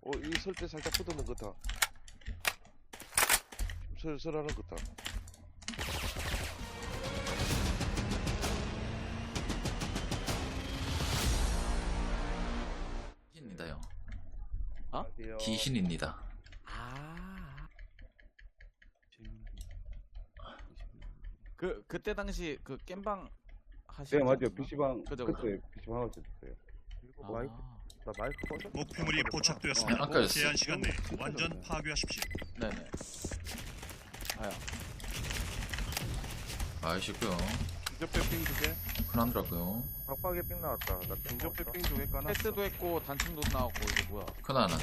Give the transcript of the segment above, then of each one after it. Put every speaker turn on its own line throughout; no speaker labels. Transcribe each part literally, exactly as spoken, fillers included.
어, 이 설때 살짝 붙어는 것 같아. 설설하는 것 같아.
귀신입니다요.
어?
귀신입니다.
아. 그 그때 당시 그 겜방 하시는
네 맞아요.
분인가?
피시방
그죠, 그죠.
그때 피시방 하우스 됐어요.
아.
마이크 나 마이크 꺼져?
목표물이
어,
포착되었습니다.
아까 였어.
제한 시간 내에 완전 파괴하십시오.
네네. 아야.
아이시고요.
인접백 빙 두 개,
큰하더라고요.
박박에 삥 나왔다. 나
인접백 빙 두 개 까놨어.
패스도 했고 단층도 나왔고 이게 뭐야?
큰 하나.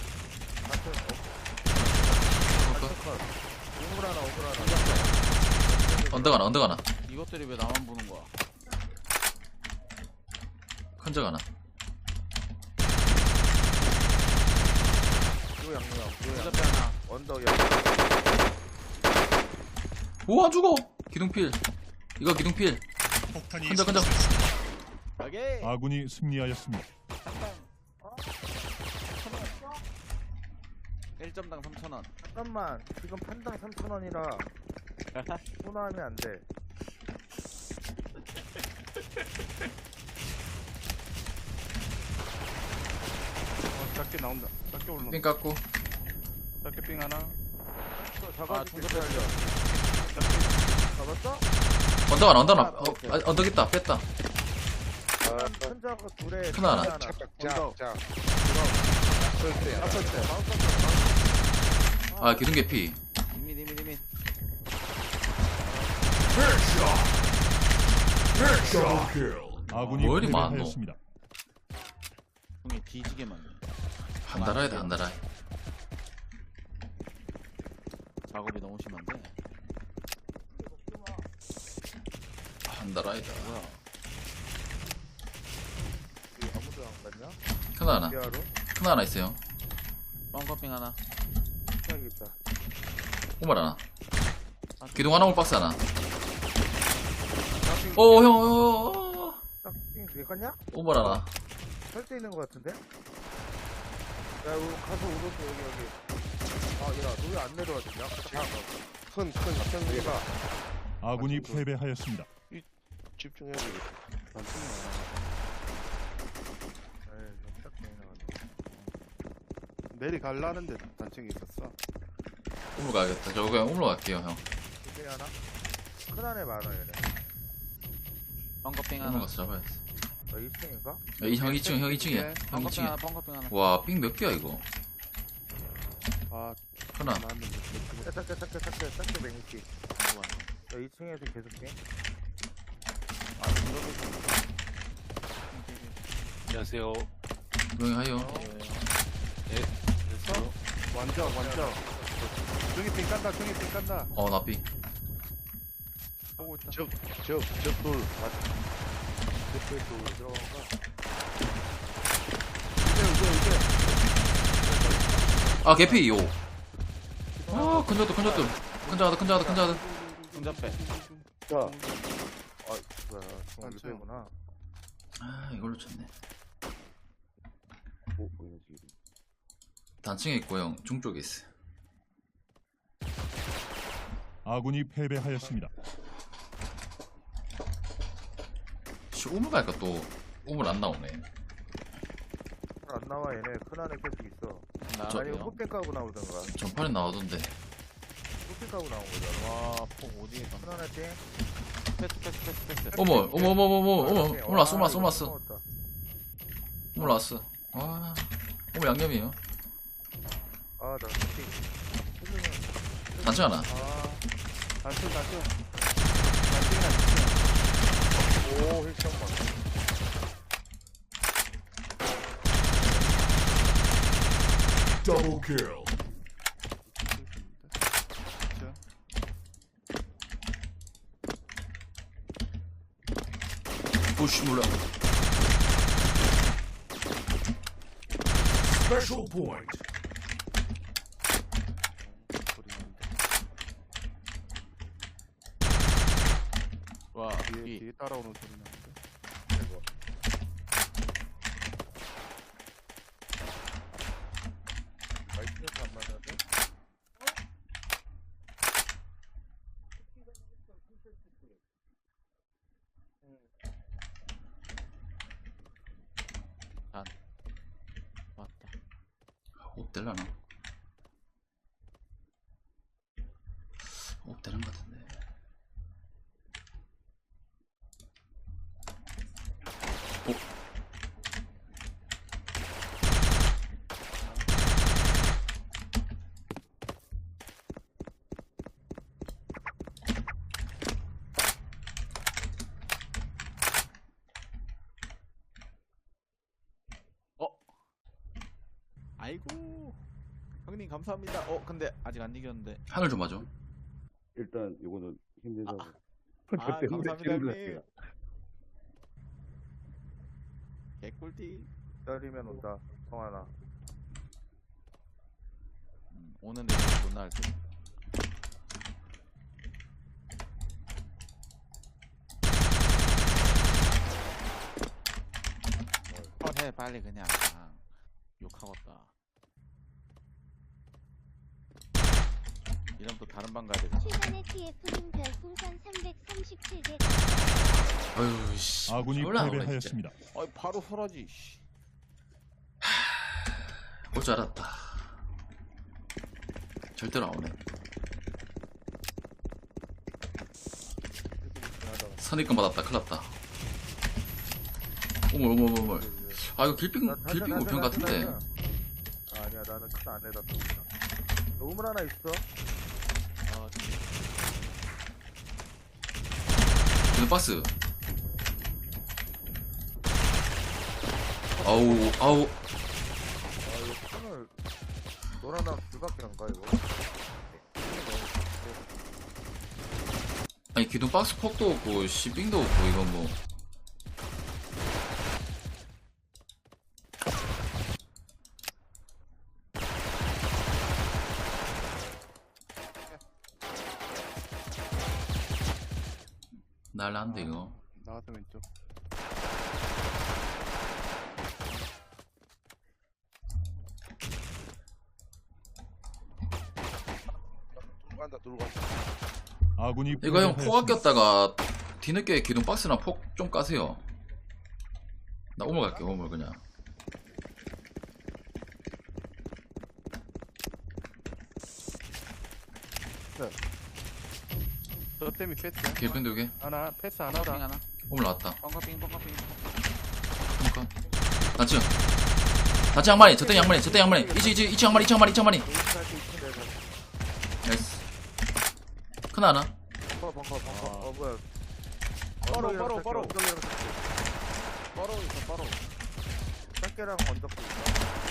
우물 하나 우물 하나.
언덕 하나, 언덕 하나.
이것들이 왜 나만 보는 거야?
큰적 하나.
요 양념. 요
옆에 하나.
언덕에.
오, 안 죽어! 기둥필. 이거 기둥필.
폭탄이
끈적, 끈적.
설치됐습니다.
오케이.
아군이 승리하였습니다.
일 점당 삼천 원.
잠깐만. 지금 판당 삼천 원이라 소나하면 안 돼.
어, 작게 나온다. 작게 올라.
삥 깎고.
작게 빙 하나.
잡아.
아, 중급에 알려.
잡았어?
언덕 하나, 언덕 하나. 어, 아, 언덕 있다. 뺐다.
아, 천자가 둘에
하나, 하나.
하나.
짝,
언덕.
짝. 설때.
앞설 때.
아, 기둥 개피.
이민 이민 이민.
아군이
뭐 이리 많노?
패배하였습니다.
형이 뒤지게 많네.
한달아야 한달아.
작업이 너무 심한데.
한달아이다.
뭐야?
아무도 안 갔냐?
큰 하나.
디아로?
큰 하나 있어요.
뻥커핑 하나.
여기 있다.
오말 하나.
아,
기둥 하나, 올 박스 하나. 오, 형, 어,
딱삥두개 깠냐?
오말 하나.
설때 있는 것 같은데? 야, 우리 가서 오른쪽 여기 여기. 아, 야, 너 왜 안 내려왔냐?
큰, 큰, 큰 위가
아군이 패배하였습니다.
집중해야 되겠다.
에이, 딱 나갔네.
내리 갈라는데 단층이 있었어.
우물 가야겠다. 저 그냥 우물 갈게요, 형.
두개 하나? 큰 안에 많아, 얘네.
뻥커핑
우물
하나.
가서 잡아야지.
나 이 층인가?
야, 이 형 이 층, 형 이 층이야. 형 이
뻥커핑
층이야.
하나. 뻥커핑 하나.
와, 삥 몇 개야, 이거?
아,
하나.
나왔는데.
짝짝짝 짝짝 짝짝 짝짝 맹기.
뭐야?
나 이 층에서 계속 삥.
아, 이거
안녕하세요.
조용히 하요.
됐어? 완전, 완전. 중이 빙 깐다, 중이 빙 깐다.
어, 나 삥.
보고 있다.
적, 적, 적돌.
옆에 또 들어간 거.
이제, 이제, 이제.
아, 개피, 요. 아, 큰 자도, 큰 자도. 큰 자도, 큰 자도, 큰 자도.
중잡배.
자. 아, 뭐야. 중앙
맞죠.
옆에구나.
아, 이걸로 쳤네.
뭐, 뭐야, 지금.
단층에 있고, 형. 중쪽에 있어.
아군이 패배하였습니다.
씨, 우물 갈까, 또. 우물 안 나오네.
안 나와, 얘네. 큰 안에 계속 있어.
저-
아니,
나가요.
흑백 까고 나오던가.
전판에 나오던데.
흑백 까고 나온 거잖아.
와, 폭 어디에
큰
가?
안에 삥.
패스 패스 패스 패스.
어머, 어머, 어머, 어머, 어머, 어머.
아,
오물 왔어, 오물 왔어, 오물
이거
왔어.
먹었다.
오물 왔어. 와. 오물 양념이에요.
아, 나 삥.
단층 하나.
아,
단층, 단층. 단층이나 있지.
오, 힐청 봐.
더블 킬.
오씨, 몰라.
스페셜 포인트.
와,
뒤에,
이
뒤에 따라오는 소리 나는데.
될라나? 업 되는 것 같은데. 어?
어? 아이고. 형님 감사합니다. 어 근데 아직 안 이겼는데.
하늘 좀 봐줘.
일단 요거는 힘내자고.
아, 감사합니다 형님. 개꿀띠.
기다리면 온다. 성환아.
음, 오는데 못 나올 때. 어, 해 빨리 그냥. 아, 욕하겠다. 이러면 또 다른 방 가야 되겠다.
최근에 티에프님 별풍선 삼백삼십칠 개
어휴 씨.
아군이
졸라 나오네,
패배하였습니다.
아이 바로 설하지. 씨.
올 줄 알았다. 절대로 안 오네. 선입금 받았다. 큰일 났다. 오물 오물 오물 오물. 아 이거 길빙
나-
길빙
나-
우편
나-
같은데.
나- 나- 아니야 나는 큰 안에다 뒀다. 너 우물 하나 있어?
아,
이거 박스. 아우 아우.
아 이거 끈을 너랑 나랑 둘밖에 안 가 이거.
아니 기둥 박스 폭도 없고 시빙도 없고 이건 뭐. 날라는데 이거.
나가서 왼쪽. 돌 간다 돌 간다.
아군이
이거 형 포
패배하였습니다.
아꼈다가 뒤늦게 기둥 박스나 폭 좀 까세요. 나 오물 갈게 오물 그냥.
너 때문에 패스야?
길펜 두개
하나 패스
빙
하나다.
하나.
오물 나왔다.
뻥커빙 뻥커빙.
그니까 나츠 나츠 양만이 저때 양만이 저때 양만이 이치 이치 이치 양만이 이치 양만이 이치 양만이
할수 있는데
나이스 큰 하나
벙커 벙커 벙커. 어 뭐야?
바로,
언덕이랑
바로,
짝게,
바로.
언덕이랑 짝게.
바로 있어 바로.
짝게랑 언덕도 있어.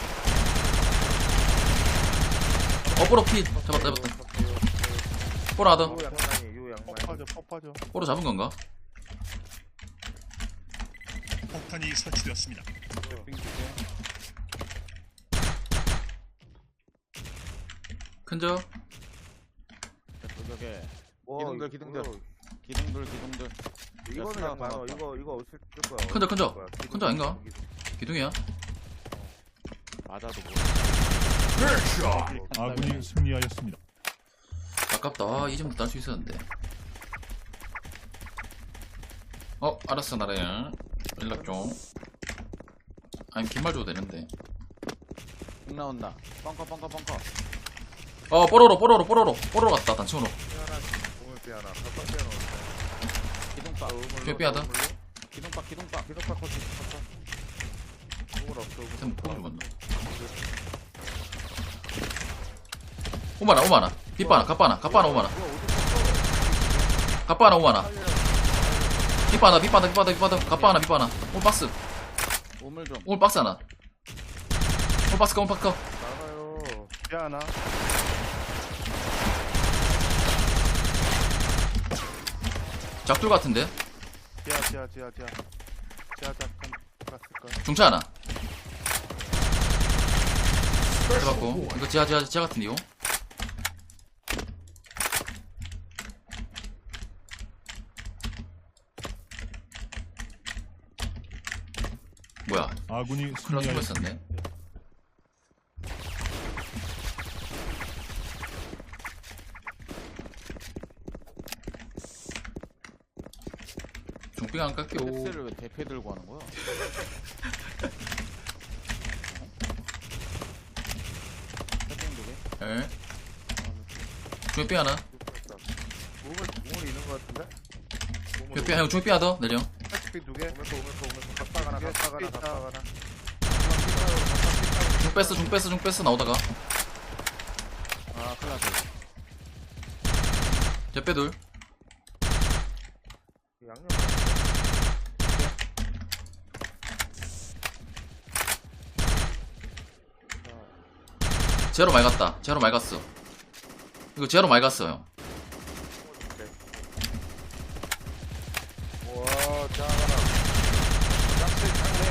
어 뽀로 피 잡았다 잡았다 뽀로 하더
요 양만이 요
폭
양만이.
빠져 폭 빠져.
뽀로 잡은 건가?
폭탄이 설치되었습니다.
빙 주세.
큰저
저게
와,
기둥들,
이거
기둥들.
뭐야.
기둥들 기둥들.
이거는
스나가
양 많아.
나왔다.
이거 이거 어쩔 거야.
큰저, 큰저.
거야.
큰저 아닌가? 기둥이야
맞아도 뭐.
아군이 승리하였습니다.
아깝다 아, 이 점도 딸 수 있었는데 어 알았어 나라야 연락 좀 아니 긴 말 줘도 되는데
빙 나온다. 뻥커 뻥커 뻥커.
어 뽀로로 뽀로로 뽀로로 뽀로로 갔다 단층으로
삐 하나, 우물 삐 하나, 깜빡 삐 하나.
기둥박.
우물로,
삐 삐하다.
우물로.
기둥박 기둥박.
기둥박 커지, 커져. 우물 없어. 우물
템
없어.
뽕 죽었나 오마나 오마나 빗바나 갑바나 갑바나 오마나
뭐야, 어디 갔어?
갑바나 오마나
빨리
빗바나 빗바나 빗바나 빗바나 갑바나 빗바나 올 박스
우물 좀.
올 박스 하나 올 박스 올 박스
나가요.
삐 하나.
작둘 같은데
지하 지하 지하 지하. 지하 잠깐 갔을 거야.
중차 하나 해봤고 이거 지하 지하 지하 같은데 이거 뭐야
아군이
클라
승리하였습니다.
숨었었네 중빙 안 깎여
팩스를 왜 대패 들고 하는 거야?
에. 중에 삐 하나.
몸을 몸을 잃는 것 같은데?
중에 삐 형, 중에 삐 하나 더 내려.
패치핀 두 개.
오면서 오면서 오면서 각박 하나 각박 하나 각박 하나.
중 뺐어, 중 뺐어, 중 뺐어 나오다가.
아 큰일 났다.
제빼 둘.
양념.
제로 많이 갔다. 제로 많이 갔어. 이거 제로 많이 갔어 형.
와, 장하나. 짝색 장래.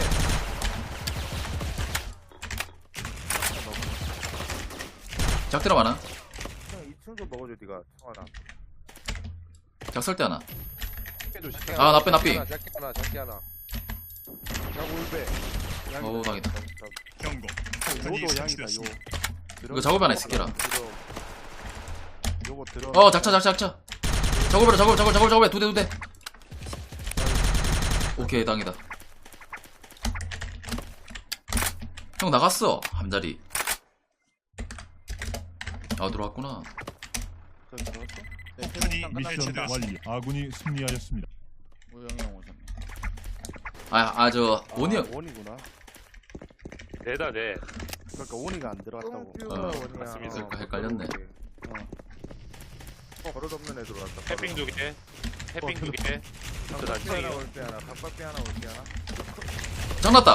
작대로 많아.
형 이 층 좀 먹어줘 네가 청하나.
작설대 하나.
조심.
아, 나빼, 나빼.
작게 하나, 작게 하나. 자고 울배.
어우, 당했다.
경고. 폭탄이
요도 양이다 요.
설치되었습니다.
이거 작업 하나 있을게라.
요거 들어.
어, 작차, 작차, 작차. 작업해라, 작업, 작업, 작업, 작업해. 두 대, 두 대. 오케이, 당이다. 형 나갔어. 함자리. 아, 들어왔구나.
저기 들어왔어?
네,
폭탄이
태국상
미션
끝났습니다.
완료. 아군이 승리하였습니다.
우영이 형 오셨네.
아, 아, 저, 원이 형.
아, 원이구나.
내다, 내.
그러니까 원이가 안 들어왔다고.
뿅
어,
원이야.
맞습니다.
그러니까 헷갈렸네.
어, 버릇 없는 애 들어왔다.
해핑 두 개. 해핑 두 개.
각박비 하나 올때 하나. 각박비 하나 올때 하나.
장났다.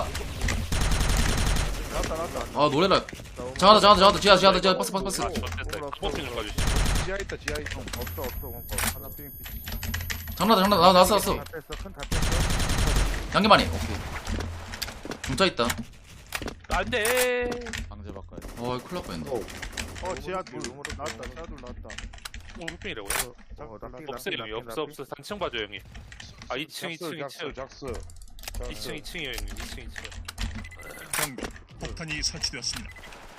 나왔다 나왔다.
아, 노래라. 장하다, 장하다, 장하다. 지하, 지하, 지하. 박스, 박스, 박스.
아, 좋됐다. 커피 좀 가주시. 지하 있다, 지하 있다.
없어 없어 원거.
하나 삥 삐.
장난다, 장난다. 나, 나왔어, 나왔어.
다 뺐어 큰다 뺐어.
양계만이. 오케이. 중짜 있다.
안 돼.
방제 바꿔야 돼.
어, 큰일 날 뻔했네.
어 지하 둘
룸으로
나왔다.
룸으로.
지하 둘 나왔다.
오늘 흑빙이라고.
어, 납기,
없어,
납기,
형이.
납기,
없어,
납기.
없어. 단층 봐줘, 형이. 아, 이 층, 이 층, 이 층.
작스.
이 층, 이 층이에요, 형님. 이 층, 이 층.
경고. 폭탄이 설치되었습니다.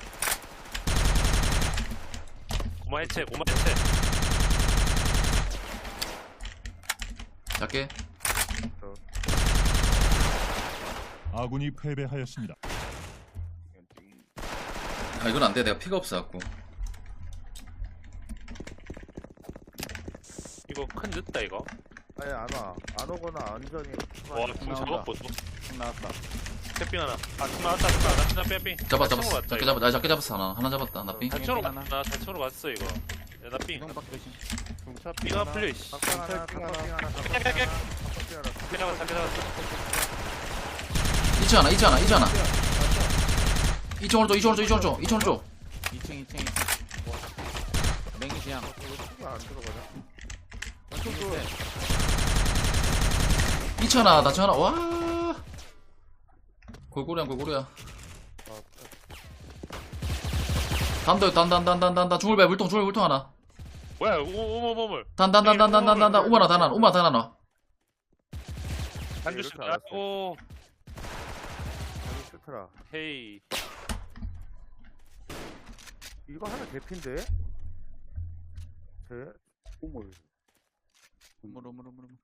고마 해체, 고마 해체.
작게.
아군이 패배하였습니다.
아, 이건 안 돼. 내가 피가 없어갖고.
이거 큰 늦다, 이거.
아니 안 와. 안 오거나 안전히.
와, 중
나온다.
작업 보소.
형 나왔다.
해핑 하나. 아, 중 나왔다, 중 나왔다. 나 빼, 빼.
잡아,
단층으로
잡았어.
갔다,
작게
이거.
잡았, 나 작게 잡았어. 하나. 하나 잡았다. 나 삥.
단층으로
하나.
갔다. 단층으로 갔어, 이거. 야, 나 삥.
형 밖에 조심.
중차
삥 하나 풀려, 이씨.
각박 하나. 각박비 하나. 각박비 하나. 각박비 하나.
잡게 잡았어, 잡게 잡았어.
이층 하나, 이층 하나, 이층 하나. 이층 오른쪽, 이층 오른쪽, 이층 오른쪽, 이층 오른쪽.
이 층, 이 층, 이 층. 맹기지 양.
이거 안 들어가냐?
왼쪽 밑에.
이층 하나, 나층 하나. 와. 골고루야, 골고루야. 단도, 단, 단, 단, 단, 단, 단. 중울배, 물통, 중울, 물통 하나.
뭐야, 오오오오오.
단, 단, 단, 단, 단, 단, 단, 단. 우마나, 단 하나, 우마, 단 하나.
한주씩
이렇게 알았어.
나고.
여기 싫더라.
헤이.
이거 하나 개핀데? 제
우물.
우물, 우물, 우물, 우물.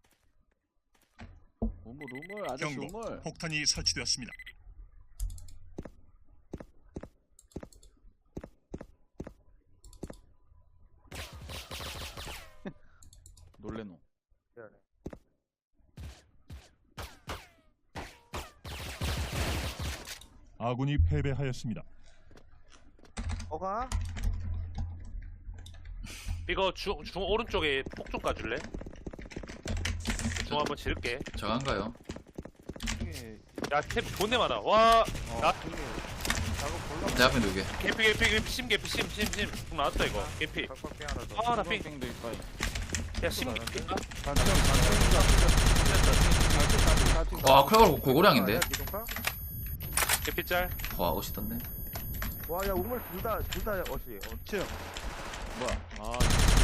우물, 우물, 아저씨
경고.
우물.
폭탄이 설치되었습니다.
놀래노.
미안해.
아군이 패배하였습니다.
어가?
이거 중, 중 오른쪽에 폭 좀 까줄래? 중 한번 지를게.
저간가요?
중에
야, 탭 존내 많아. 와,
어
나-
중에 작업 볼라.
내 앞에 누구?
개피, 개피, 개피, 심, 개피, 심, 심, 심. 중 나왔다, 이거. 개피.
각박비 하나 더.
아, 나 삥.
도 있다.
야, 심, 개피.
단층 단층이다.
와, 크레가 골고량인데?
야, 기둥파?
개피 짤.
와, 멋있던데.
와, 야, 우물 둘 다, 둘 다 어시. 어,
층.
뭐야? 아,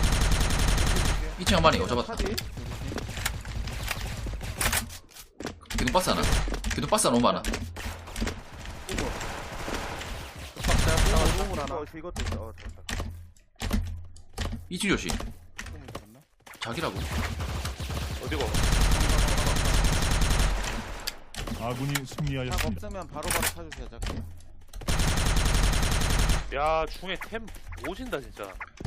이층 한 마리, 어, 잡았다.
카디.
기둥박스 하나. 기둥박스 하나, 오마 하나.
박자. 우물 하나.
어시 이것도 있어. 어, 됐다.
이층 조심.
우물 잡나?
자기라고.
어디고?
아군이
탑
승리하였습니다.
없으면 바로바로 타주세요, 자꾸.
야 중에 템 오진다 진짜.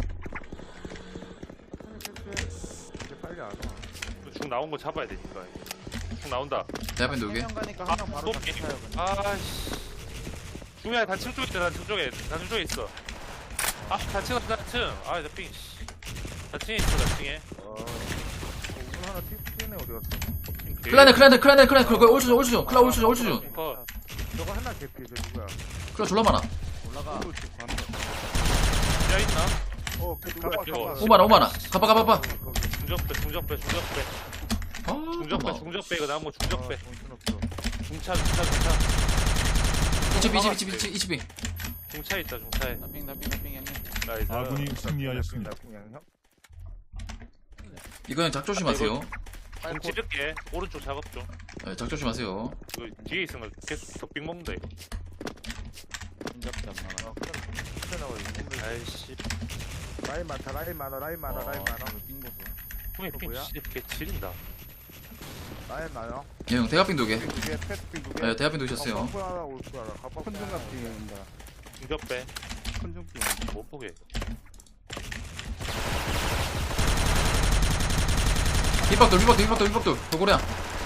이제 빨리 안 와.
중 나온 거 잡아야 되니까. 중 나온다.
내 앞에 누구게?
명 가니까
아,
한 명 바로
또
같이
게임.
타요 그냥.
아씨. 중에 단층 쪽에 있다. 단층 쪽에. 단층 쪽에 있어. 아 단층 단층. 아나 삥. 씨. 단층에 있어 단층에.
어. 오늘 하나 튀- 튀네 어디 갔어?
클라네 클라네 클라네 클라네 그거 올수준 올수준 클라 올수준 올수준
어.
저거 하나 개피 저 누구야?
클라 졸라 많아.
올라가.
야 있나?
어, 그 누가
이거.
오만아 오만아 가봐 가봐 가봐.
중적배 중적배 중적배.
아
중적배
잠깐만.
중적배 이거 나온 거 중적배.
정신없어.
중차 중차 중차.
이집이 이집이 이집이 이집이 이집이.
중차 있다 중차에.
나삥 나삥 나삥 형님.
나이스.
아군이 승리하였습니다.
그냥 형.
이거는 작 조심하세요.
중 찌를게. 오른쪽 작업 좀.
네, 작 조심하세요.
이거 뒤에 있으면 계속 덕빙 먹는다 이거.
진작도 안 나가.
어, 큰일 나와 이거.
아이씨.
라인 많다, 라인 많아, 라인 많아, 라인 많아.
삥 보소.
형이
이거
삥
뭐야?
씨, 개 지린다.
라인 많아.
예, 형 대합빙 두 개.
두개 패스팅 두개
네, 대합빙 두셨어요.
올 거야, 올 거야. 가봐.
큰중갑빙이 온다
중적배.
큰중빙
못 보게.
힙박돌 힙박돌 힙박돌 힙박돌 도고래야.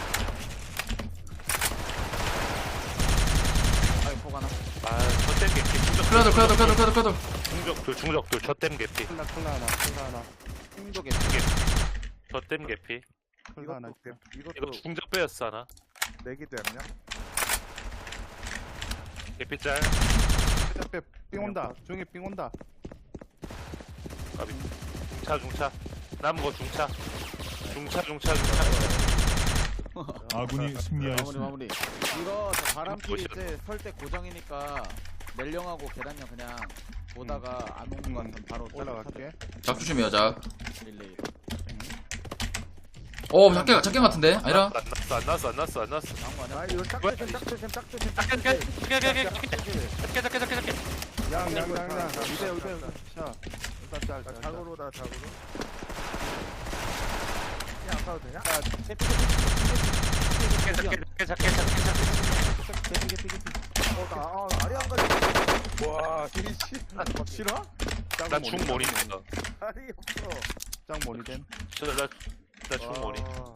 아이 폭 하나.
아, 저댐 개피. 중적.
클라돌 클라돌 클라돌 클라돌 클라돌.
중적돌 중적돌 저댐 개피.
클라 클라 하나 클라 하나
삥쪽에
저댐 개피.
클라 하나
이것도,
이거
이것도
중적배였어 하나.
내기도 했냐?
개피 짤.
앞에 삥 온다 중에 삥 온다
까비. 중차 중차. 남은 거 중차. 중차 중차 중차.
아군이
마무리
승리하였습니다.
마무리. 이거 저 바람피
멋있다.
이제 설때 고정이니까 멜령하고 계단형 그냥 보다가 안 오는 거 같으면 바로
올라갈게
작 조심해요 작.
릴레이.
오 작게 작게 같은데 아니라.
안 났어 안 났어 안 났어 안 났어.
나온 거 아니야?
아, 이거 짝조심, 짝조심, 짝조심,
작게 작게 작게 작게 작게 작게 작게 작게.
양양양양 이대 이대 자 일단 짤
자,
짤, 짤.
작으로다, 작으로. 그냥 안 가도 되냐?
작게 작게 작게 작게 작게.
어, 나, 아, 알이 안 가지.
와 씨 싫어?
난 중모니 있어.
알이 없어.
짱 모니된
저나나 중모니.
와,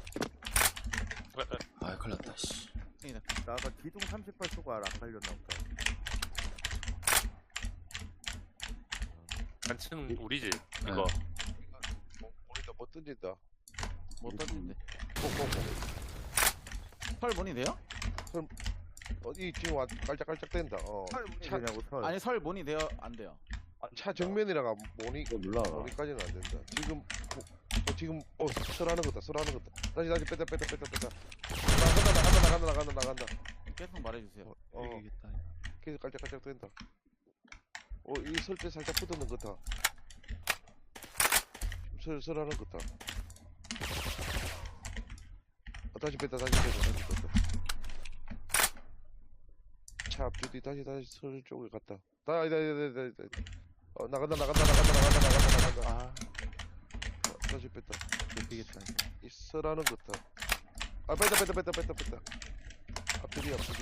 아 큰일 났다 씨.
나 아까 기둥 삼십팔 초가 안 갈렸나 보다.
단층 우리지 이거.
우리가 못 던진다.
못 던진대.
꼭꼭꼭.
설 문이 돼요?
어디 지금 와 깔짝깔짝 된다. 어.
털 문이
차,
되냐고, 털.
아니 설 문이 돼요? 안 돼요?
차 정면이라가 모니 모니까지는 안 된다. 지금 뭐, 어, 지금 어 설하는 거다. 설하는 거다. 다시 다시 뺐다 뺐다 뺐다 뺐다. 나간다 나간다 나간다 나간다 나간다.
계속 말해주세요.
어, 어 계속 깔짝깔짝 된다. 어이 설때 살짝 붙었는 거다. 설 설하는 거다. 어, 다시 뺐다 다시 뺐다 다시 뺐다. 차 앞뒤 다시 다시 설 쪽에 갔다. 다 아니다 아니다 아니다 아니다. 어 나간다 나간다 나간다 나간다 나간다 나간다.
아
어, 다시 뺐다.
되겠다
이 설하는 거다. 아 뺐다 뺐다 뺐다 뺐다 뺐다. 앞뒤 앞뒤.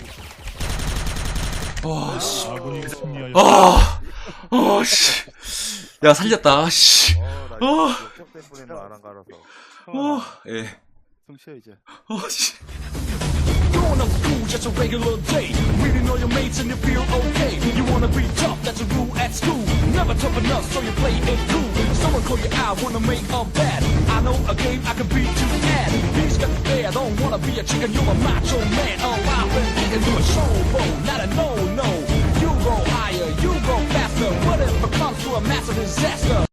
와 씨.
아군이 승리하였습니다.
아. 어 씨. 야 살렸다 씨.
어, 나
어.
역적 때문에 안안 갈아서.
어 예.
숨 쉬어 이제
어 씨.
Growing up cool, just a regular day. Reading all your mates and you feel okay. You wanna be tough, that's a rule at school. Never tough enough, so you play it cool. Someone call you out, wanna make a bet. I know a game I can beat you at. He's got the bear, don't wanna be a chicken, you're a macho man. Oh, I've been thinking you a showboat, not a no-no. You go higher, you go faster. What if it comes to a massive disaster?